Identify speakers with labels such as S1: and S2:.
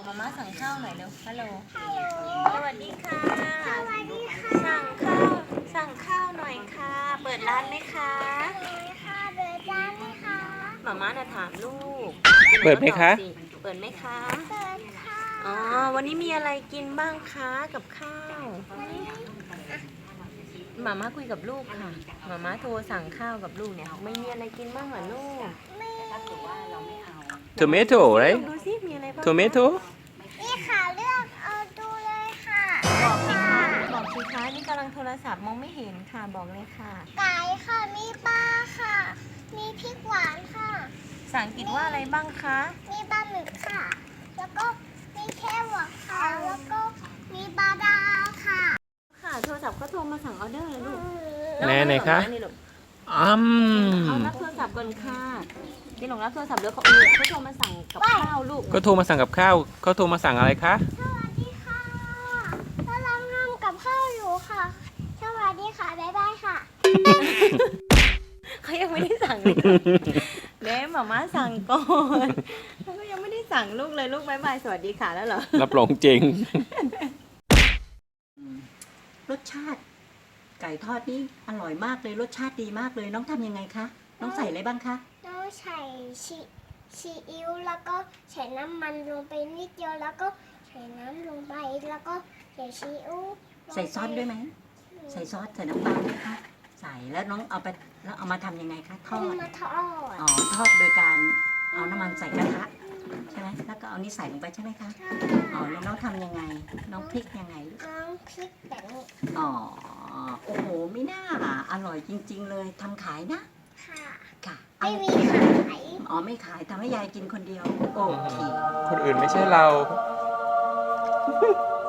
S1: มาม่าสั่งข้าวหน่อยเร็วฮัลโหล
S2: ฮัลโหล
S1: สวัสดีค่ะ
S2: สวัสดีค่ะ
S1: สั่งข้าวหน่อยค่ะ เปิดร้านไหมคะ
S2: เลยค่ะเบิร์ดได้ไหมคะ
S1: มาม่าจะถามลูก
S3: เปิดไหมคะ
S1: ตอบสิเปิดไหมคะ
S2: เบิร์ดค่ะ
S1: อ๋อวันนี้มีอะไรกินบ้างคะกับข้าวมาม่าคุยกับลูกค่ะมาม่าโทรสั่งข้าวกับลูกเนี่ยไม่มีอะไรกินบ้างเหรอลูก
S2: ไม่
S3: tomato
S1: ล
S3: right
S1: องดูซิมีอะไรบ้าง
S3: tomato
S2: นี่ค่ะเลือกเอาดูเลยค่ะ
S1: บอกสิคะบอกสิคะนี่กำลังโทรศัพท์มองไม่เห็นค่ะบอกเลยค่ะ
S2: ไก่ค่ะ มีปลาค่ะ มีพริกหวานค่ะ
S1: ภาษาอังกฤษว่าอะไรบ้างคะ
S2: มีปลาหมึกค่ะ แล้วก็มีแครอทค่ะ แล้วก็มีบาดาค่ะ
S1: ค่ะโทรศัพท์เขาโทรมาสั่งออเดอร์เลยลูก
S3: ไหนคะ
S1: นี่ลูก
S3: อืม
S1: เอารับโทรศัพท์ก่อนค่ะนี่หลงรับโทรศัพท์แล้วเขาโทรมาสั่งกับข้าวลูก
S3: ก็โทรมาสั่งกับข้าวเขาโทรมาสั่งอะไรคะ
S2: สวัสดีค่ะกำลังทำกับข้าวอยู่ค่ะ สวัสดีค่ะ บ๊ายบายค่ะ
S1: เขายังไม่ได้สั่งเลยค่ะเด้หมาม่าสั่งก่อนเขาก็ยังไม่ได้สั่งลูกเลยลูกบายบายสวัสดีค่ะแล้วเหรอ
S3: รับรองจริง
S4: รสชาติ ไก่ทอดนี่อร่อยมากเลยรสชาติดีมากเลยน้องทำยังไงคะน้องใส่อะไรบ้างคะ
S2: เราใส่ซีอิ๊วแล้วก็ใส่น้ำมันลงไปนิดเดียวแล้วก็ใส่น้ำลงไปแล้วก็ใส่ซีอิ๊วลงไป
S4: ใส่ซอสด้วยไหมใส่ซอสใส่น้ำตาลไหมคะใส่แล้วน้องเอาไปแล้วเอามาทำยังไงคะทอ
S2: เอา
S4: ด
S2: มาทอด
S4: อ๋อทอดโดยการเอาน้ำมันใส่กระทะใช่ไหมแล้วก็เอานี่ใส่ลงไปใช่ไหมคะอ๋อแล้วน้องทำยังไง น้องพริกยังไงลูก
S2: น้องพริกแบบนี้
S4: อ๋อโอ้โหไม่น่าอร่อยจริง ๆ เลยทำขายนะ
S2: ค่ะ
S4: ค่ะ
S2: ไม่มีขาย
S4: อ๋อไม่ขายทำให้ยายกินคนเดียวโอเค
S3: คนอื่นไม่ใช่เรา